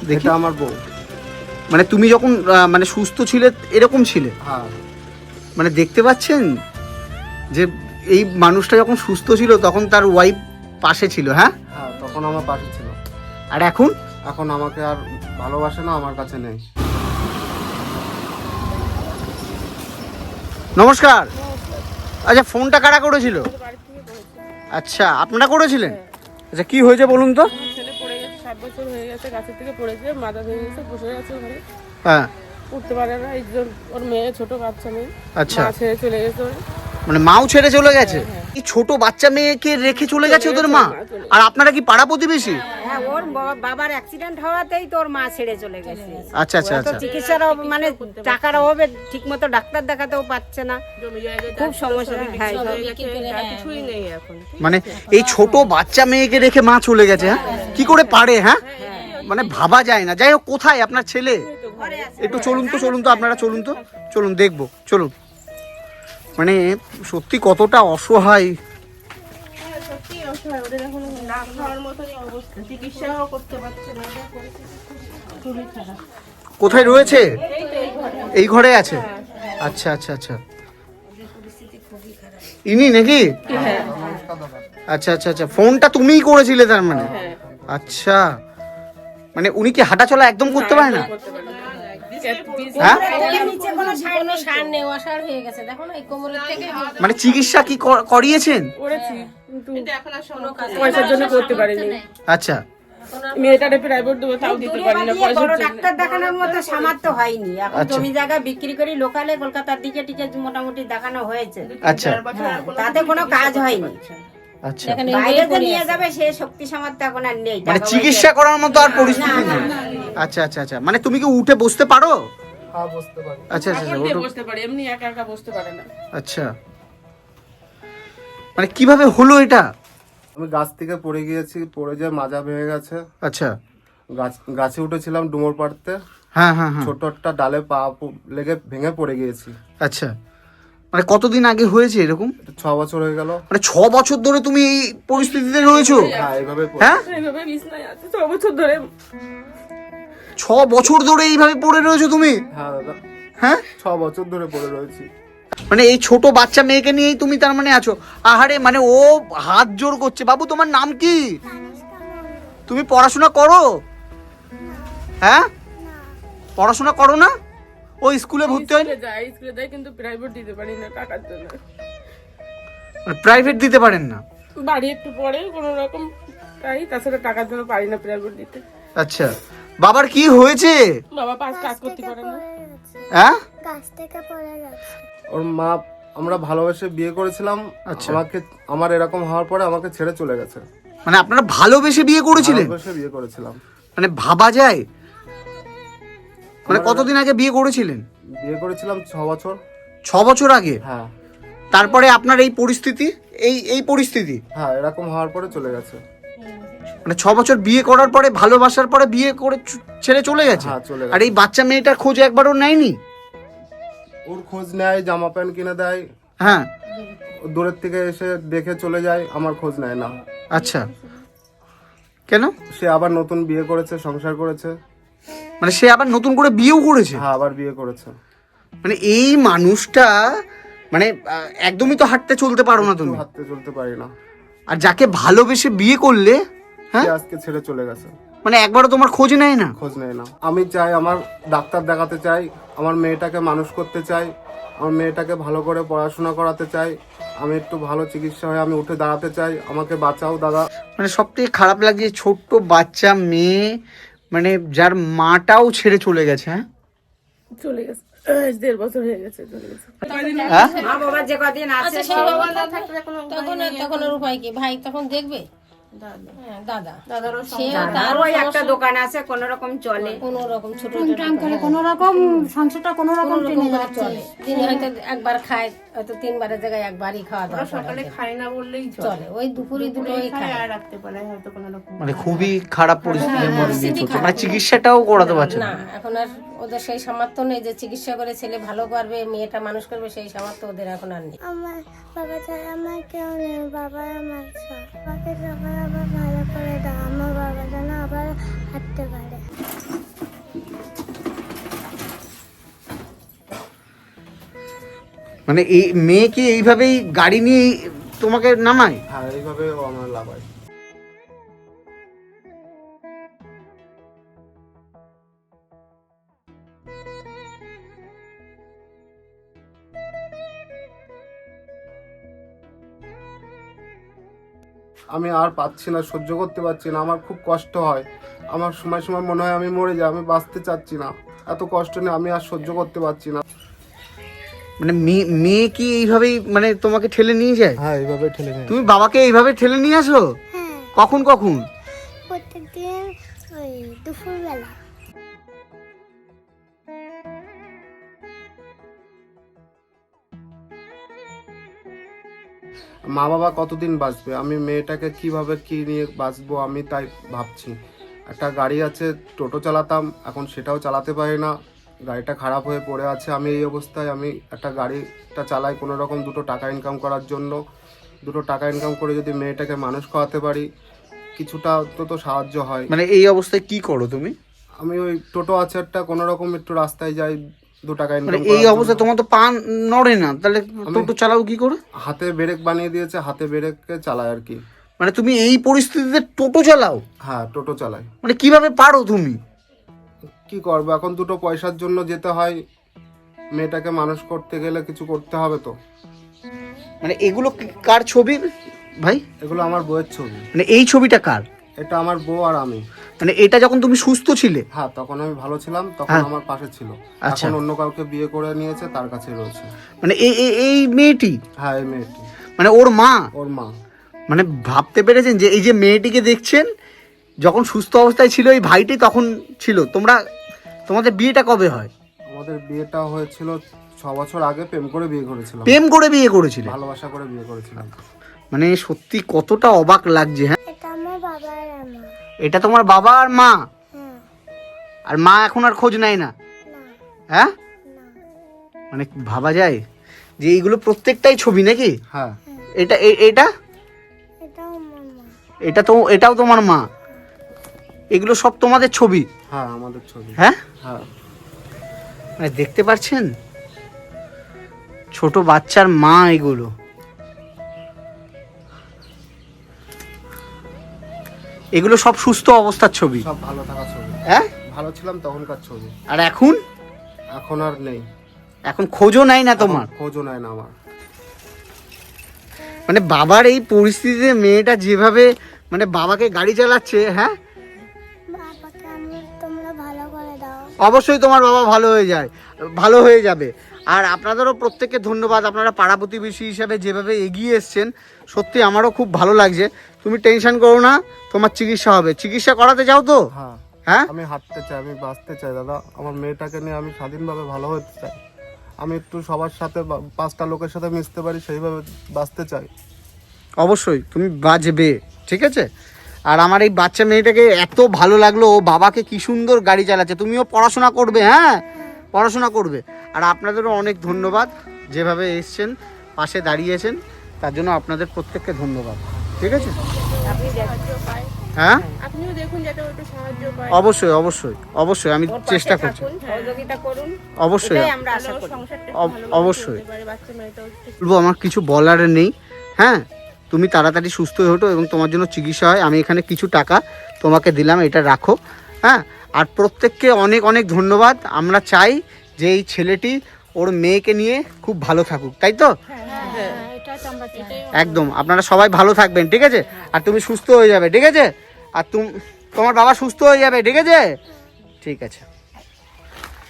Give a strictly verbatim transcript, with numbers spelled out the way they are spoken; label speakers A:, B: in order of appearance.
A: দেখি
B: আমার বউ।
A: মানে তুমি যখন মানে সুস্থ ছিলে এরকম ছিলে?
B: হ্যাঁ।
A: মানে দেখতে পাচ্ছেন যে এই মানুষটা যখন সুস্থ ছিল তখন তার ওয়াইফ পাশে ছিল? হ্যাঁ
B: হ্যাঁ, তখন আমার পাশে ছিল।
A: আর এখন?
B: এখন আমাকে আর ভালোবাসে না, আমার কাছে নেই।
A: নমস্কার। আচ্ছা, ফোনটা কারা করেছিল? আচ্ছা, আপনারা করেছিলেন? আচ্ছা, কি হয়েছে বলুন তো?
C: ছেলে পড়ে গেছে, সাত বছর হয়ে গেছে, গাছের থেকে পড়েছে, মাথা ভেঙে গেছে, বসে গেছে ঘরে,
A: হ্যাঁ,
C: উঠতে পারে না। একজন ওর মেয়ে, ছোট বাচ্চা মেয়ে,
A: আচ্ছা,
C: মা ছেড়ে চলে গেছে ওর।
A: মানে মাও ছেড়ে চলে গেছে? এই ছোট বাচ্চা মেয়েকে রেখে চলে গেছে ওদের মা? আর আপনারা কি পাড়া প্রতিবেশী?
D: হ্যাঁ, ওর বাবার অ্যাক্সিডেন্ট হওয়াতেই তোর মা ছেড়ে চলে গেছে।
A: আচ্ছা আচ্ছা আচ্ছা।
D: চিকিৎসার অভাবে, মানে টাকার অভাবে ঠিক মতো ডাক্তার দেখাতেও পাচ্ছে না, খুব সমস্যা। হ্যাঁ,
C: কিছুই নেই এখন।
A: মানে এই ছোট বাচ্চা মেয়েকে রেখে মা চলে গেছে? হ্যাঁ, কি করে পারে? হ্যাঁ, মানে ভাবা যায় না। যাই হোক, কোথায় আপনার ছেলে? একটু চলুন তো, চলুন তো, আপনারা চলুন তো, চলুন দেখবো, চলুন। মানে সত্যি কতটা অসহায়।
C: সত্যি অসহায়, ওদের এখন না খাওয়ার মতনই অবস্থা, চিকিৎসাও করতে পারছে না, খুবই খারাপ।
A: কোথায় রয়েছে? এই ঘরে আছে? আচ্ছা আচ্ছা আচ্ছা। ইনি নাকি? আচ্ছা আচ্ছা আচ্ছা। ফোনটা তুমিই করেছিলে তার মানে? আচ্ছা, মানে উনি কি হাঁটা চলা একদম করতে পারে না? হ্যাঁ, মানে চিকিৎসা কি করিয়েছেন?
C: করেছি, কিন্তু পয়সার জন্য করতে পারিনি।
A: আচ্ছা,
C: মেয়েটারে প্রাইভেট দেবো, তাও দিতে পারি না পয়সার জন্য।
D: ডাক্তার দেখানোর মতো সামর্থ্য হয়নি। এখন জমি জায়গা বিক্রি করে লোকালে কলকাতার দিকে টিকে মোটামুটি দেখানো হয়েছে।
A: আচ্ছা,
D: তাতে কোনো কাজ হয়নি।
A: আচ্ছা,
D: বাইরে যে নিয়ে যাবে সে শক্তি সামর্থ্য এখন আর নেই,
A: মানে চিকিৎসা করার মতো আর পরিস্থিতি নেই। আচ্ছা আচ্ছা আচ্ছা। মানে তুমি কি উঠে বসতে পারো?
B: হ্যাঁ, বসতে পারি।
A: আচ্ছা আচ্ছা
C: এখন দিয়ে বসতে পারে, এমনি একা একা বসতে পারে না।
A: আচ্ছা, মানে কিভাবে হলো এটা?
B: আমি গাছ থেকে পড়ে গিয়েছি, পড়ে যায় মাজা ভেঙে গেছে।
A: আচ্ছা,
B: গাছ গাছে উঠেছিলাম ডুমুর পাড়তে,
A: হ্যাঁ হ্যাঁ হ্যাঁ।
B: ছোট একটা ডালে পা প- লেগে ভেঙে পড়ে গিয়েছি।
A: আচ্ছা, মানে কতদিন আগে হয়েছে এরকম?
B: এটা ছ বছর হয়ে গেল।
A: মানে ছ বছর ধরে তুমি এই পরিস্থিতিতে রয়েছো?
B: হ্যাঁ, এইভাবে পড়ে-
A: হ্যাঁ,
C: এইভাবে বিছনায় আছে ছ বছর ধরে।
A: ছ বছর ধরে এইভাবে পড়ে রয়েছো তুমি?
B: হ্যাঁ দাদা,
A: হ্যাঁ,
B: ছ বছর ধরে পড়ে রয়েছি।
A: মানে এই ছোট বাচ্চা মেয়েকে নিয়েই তুমি তার মানে আছো? আহারে, মানে ও হাত জোর করছে। বাবু, তোমার নাম কি? তুমি পড়াশোনা করো? হ্যাঁ, পড়াশোনা করো না? ও স্কুলে ভর্তি হয়?
C: স্কুলে যায়, স্কুলে যায়, কিন্তু প্রাইভেট দিতে পারি না টাকার জন্য।
A: প্রাইভেট দিতে পারেন না?
C: বাড়ি একটু পরে কোনো রকম তাই, তাছাড়া টাকার জন্য পারি না প্রাইভেট দিতে।
A: আচ্ছা, বাবার কি হয়েছে?
C: বাবা পাঁচ কাজ করতে পারে না।
A: হ্যাঁ,
E: গাছ থেকে পড়ে গেছে।
B: ওর মা, আমরা ভালোবেসে বিয়ে করেছিলাম।
A: আচ্ছা।
B: আমাকে, আমার এরকম হওয়ার পরে আমাকে ছেড়ে চলে গেছে।
A: মানে আপনারা ভালোবেসে বিয়ে করেছিলেন?
B: ভালোবেসে বিয়ে করেছিলাম।
A: মানে ভাবা যায়? মানে কতদিন আগে বিয়ে করেছিলেন?
B: বিয়ে করেছিলাম ছ বছর।
A: ছ বছর আগে?
B: হ্যাঁ
A: তারপরে আপনার এই পরিস্থিতি, এই এই পরিস্থিতি?
B: হ্যাঁ, এরকম হওয়ার পরে চলে গেছে।
A: মানে ছ বছর বিয়ে করার পরে, ভালোবাসার পরে বিয়ে করে চ- ছেড়ে চলে গেছে?
B: হ্যাঁ, চলে গেছে।
A: আর এই বাচ্চা মেয়েটার খোঁজ একবারও নেয়নি?
B: ওর খোঁজ নেয়, জামা প্যান্ট কিনে দেয়,
A: হ্যাঁ।
B: ও দূরের থেকে এসে দেখে চলে যায়, আমার খোঁজ নেয় না।
A: আচ্ছা, কেন?
B: সে আবার নতুন বিয়ে করেছে, সংসার করেছে।
A: মানে সে আবার নতুন করে বিয়েও করেছে?
B: হ্যাঁ, আবার বিয়ে করেছে।
A: মানে এই মানুষটা, মানে আহ, একদমই তো হাঁটতে চলতে পারো না তুমি?
B: হাঁটতে চলতে পারি না।
A: আর যাকে ভালোবেসে বিয়ে করলে, হ্যাঁ,
B: সে আজকে ছেড়ে চলে গেছে।
A: মানে একবারও তোমার খোঁজ নেয় না?
B: খোঁজ নেয় না। আমি চাই, আমার ডাক্তার দেখাতে চাই, আমার মেয়েটাকে মানুষ করতে চাই, আমার মেয়েটাকে ভালো করে পড়াশোনা করাতে চাই, আমি একটু ভালো চিকিৎসা হয়ে আমি উঠে দাঁড়াতে চাই। আমাকে বাঁচাও দাদা।
A: মানে সব থেকে খারাপ লাগে, ছোট্ট বাচ্চা মেয়ে, মানে যার মাটাও ছেড়ে চলে গেছে। হ্যাঁ,
C: চলে গেছে, দেড় বছর হয়ে গেছে চলে গেছে।
A: হ্যাঁ?
D: মা বাবার যে কদিন আছে
F: তখন তখন ওর উপায় কি ভাই? তখন দেখবে হ্যাঁ, দাদা সে
D: তার ওই একটা দোকান আছে, কোন রকম চলে,
F: কোন রকম ছোট
E: ট্রাম করে কোনো রকম সংসারটা কোনো রকম টেনে যাচ্ছে।
F: চলে, দিনে হয়তো একবার খায়, হয়তো তিনবারের জায়গায় একবারই খাওয়া দাওয়া
C: সকালে খাই না বললেই
F: চলে, ওই দুপুরে দুটোই খায়।
C: আর রাখতে পারে হয়তো কোনো রকম।
A: মানে খুবই খারাপ পরিস্থিতির মধ্যে দিয়ে চলছে। মানে চিকিৎসাটাও করাতে পারছে
F: না,
A: না?
F: এখন আর ওদের সেই সামর্থ্য নেই যে চিকিৎসা করে ছেলে ভালো করবে, মেয়েটা মানুষ করবে, সেই সামর্থ্য ওদের এখন আর নেই।
E: আমার বাবা ছাড়া আমার কেউ নেই, বাবা আমার সব। বাবাকে সবাই আবার ভালো করে দাও, আমার বাবা যেন আবার হাঁটতে পারে।
A: মানে এই মেয়ে কি এইভাবেই গাড়ি নিয়ে তোমাকে নামায়?
B: হ্যাঁ, এইভাবে ও আমার লাভায়। আমি আর পাচ্ছি না, সহ্য করতে পারছি না, আমার খুব কষ্ট হয়। আমার সময় সময় মনে হয় আমি মরে যাই, আমি বাঁচতে চাচ্ছি না, এত কষ্ট নিয়ে আমি আর সহ্য করতে পারছি না।
A: মানে মেয়ে মেয়ে কি এইভাবেই মানে তোমাকে ঠেলে নিয়ে যায়?
B: হ্যাঁ, এইভাবে ঠেলে নিয়ে
A: তুমি বাবাকে এইভাবে ঠেলে নিয়ে আসো?
E: হ্যাঁ,
A: কখন কখন?
E: প্রত্যেকদিন ওই দুপুরবেলা।
B: মা বাবা কতদিন বাঁচবে, আমি মেয়েটাকে কিভাবে কি নিয়ে বাঁচবো আমি তাই ভাবছি। একটা গাড়ি আছে, টোটো চালাতাম, এখন সেটাও চালাতে পারি না, গাড়িটা খারাপ হয়ে পড়ে আছে। আমি এই অবস্থায় আমি একটা গাড়িটা চালাই কোনো রকম দুটো টাকা ইনকাম করার জন্য। দুটো টাকা ইনকাম করে যদি মেয়েটাকে মানুষ করাতে পারি, কিছুটা তো তো সাহায্য হয়।
A: মানে এই অবস্থায় কি করো তুমি?
B: আমি ওই টোটো আছে একটা, কোনো রকম একটু রাস্তায় যাই, দু টাকা
A: মানে
B: ইনকাম
A: এই অবস্থায় তোমার তো পা নড়ে না, তাহলে টোটো চালাও কি করে?
B: হাতে ব্রেক বানিয়ে দিয়েছে, হাতে ব্রেককে চালাই আর কি।
A: মানে তুমি এই পরিস্থিতিতে টোটো চালাও?
B: হ্যাঁ, টোটো চালাই।
A: মানে কিভাবে পারো তুমি?
B: কি করবো, এখন দুটো পয়সার জন্য যেতে হয়, মেয়েটাকে মানুষ করতে গেলে কিছু করতে হবে তো।
A: মানে এগুলো কি- কার ছবি ভাই?
B: এগুলো আমার বউয়ের ছবি।
A: মানে এই ছবিটা কার?
B: এটা আমার বউ আর আমি।
A: মানে এটা যখন তুমি সুস্থ ছিলে?
B: হ্যাঁ, তখন আমি ভালো ছিলাম, তখন
A: হ্যাঁ।
B: আমার পাশে ছিল।
A: আচ্ছা।
B: এখন অন্য কাউকে বিয়ে করে নিয়েছে, তার কাছে রয়েছে।
A: মানে এই এই- এই মেয়েটি
B: হ্যাঁ, এই মেয়েটি
A: মানে ওর মা?
B: ওর মা।
A: মানে ভাবতে পেরেছেন যে এই যে মেয়েটিকে দেখছেন, যখন সুস্থ অবস্থায় ছিল এই ভাইটি তখন ছিল। তোমরা তোমাদের বিয়েটা কবে হয়?
B: আমাদের বিয়েটা হয়েছিল ছ বছর আগে, প্রেম করে বিয়ে করেছিলাম,
A: প্রেম করে বিয়ে করেছিলে?
B: ভালোবাসা করে বিয়ে করেছিলাম।
A: মানে সত্যি কতটা অবাক লাগছে। হ্যাঁ,
E: এটা আমার বাবা আর আমার।
A: এটা তোমার বাবা আর মা?
E: হ্যাঁ,
A: আর মা এখন আর খোঁজ নেয় না?
E: না,
A: হ্যাঁ,
E: না,
A: মানে ভাবা যায় যে এইগুলো প্রত্যেকটাই ছবি নাকি?
B: হ্যাঁ,
A: এটা এ- এটা
E: এটাও আমার মা।
A: এটা তো এটাও তোমার মা? এগুলো সব তোমাদের ছবি?
B: হ্যাঁ, আমাদের ছবি।
A: হ্যাঁ,
B: হ্যাঁ,
A: মানে দেখতে পাচ্ছেন ছোট বাচ্চার মা এগুলো। এগুলো সব সুস্থ অবস্থার ছবি?
B: সব ভালো থাকা ছবি।
A: হ্যাঁ,
B: ভালো ছিলাম তখনকার ছবি।
A: আর এখন?
B: এখন আর নেই,
A: এখন খোঁজও নাই না তোমার?
B: এখন খোঁজও নেয় না আমার।
A: মানে বাবার এই পরিস্থিতিতে মেয়েটা যেভাবে মানে বাবাকে গাড়ি চালাচ্ছে, হ্যাঁ,
E: বাবাকে আমি তোমরা ভালো করে দাও।
A: অবশ্যই তোমার বাবা ভালো হয়ে যায়, ভালো হয়ে যাবে। আর আপনাদেরও প্রত্যেককে ধন্যবাদ, আপনারা পাড়া প্রতিবেশী হিসাবে যেভাবে এগিয়ে এসছেন, সত্যি আমারও খুব ভালো লাগছে। তুমি টেনশন করো না, তোমার চিকিৎসা হবে। চিকিৎসা করাতে যাও তো?
B: হ্যাঁ,
A: হ্যাঁ,
B: আমি হাঁটতে চাই, আমি বাঁচতে চাই দাদা। আমার মেয়েটাকে নিয়ে আমি স্বাধীনভাবে ভালো হতে চাই। আমি একটু সবার সাথে বা- পাঁচটা লোকের সাথে মিশতে পারি, সেইভাবে বাঁচতে চাই।
A: অবশ্যই তুমি বাজবে, ঠিক আছে? আর আমার এই বাচ্চা মেয়েটাকে এত ভালো লাগলো, ও বাবাকে কি সুন্দর গাড়ি চালাচ্ছে। তুমিও পড়াশোনা করবে, হ্যাঁ, পড়াশোনা করবে। আর আপনাদেরও অনেক ধন্যবাদ, যেভাবে এসছেন, পাশে দাঁড়িয়েছেন, তার জন্য আপনাদের প্রত্যেককে ধন্যবাদ, ঠিক আছে? হ্যাঁ,
C: আপনিও দেখুন যাতে ও একটু সাহায্য পায়।
A: অবশ্যই অবশ্যই অবশ্যই আমি
D: ওর পাশে
A: চেষ্টা করছি,
D: থাকুন, সহযোগিতা করুন,
A: অবশ্যই
D: এটাই আমরা আশা
C: তাহলে ওর
D: করি।
C: সংসারটা একটু
A: অব-
C: ভালোভাবে
A: অবশ্যই।
C: চলতে পারে, বাচ্চা মেয়েটাও একটু-
A: বলবো আমার কিছু বলার নেই। হ্যাঁ, তুমি তাড়াতাড়ি সুস্থ হয়ে ওঠো এবং তোমার জন্য চিকিৎসা হয়। আমি এখানে কিছু টাকা তোমাকে দিলাম, এটা রাখো। হ্যাঁ, আর প্রত্যেককে অনেক অনেক ধন্যবাদ। আমরা চাই যে এই ছেলেটি ওর মেয়েকে নিয়ে খুব ভালো থাকুক, তাই তো? একদম, আপনারা সবাই ভালো থাকবেন, ঠিক আছে? আর তুমি সুস্থ হয়ে যাবে, ঠিক আছে? আর তুমি তোমার বাবা সুস্থ হয়ে যাবে, ঠিক আছে? ঠিক আছে।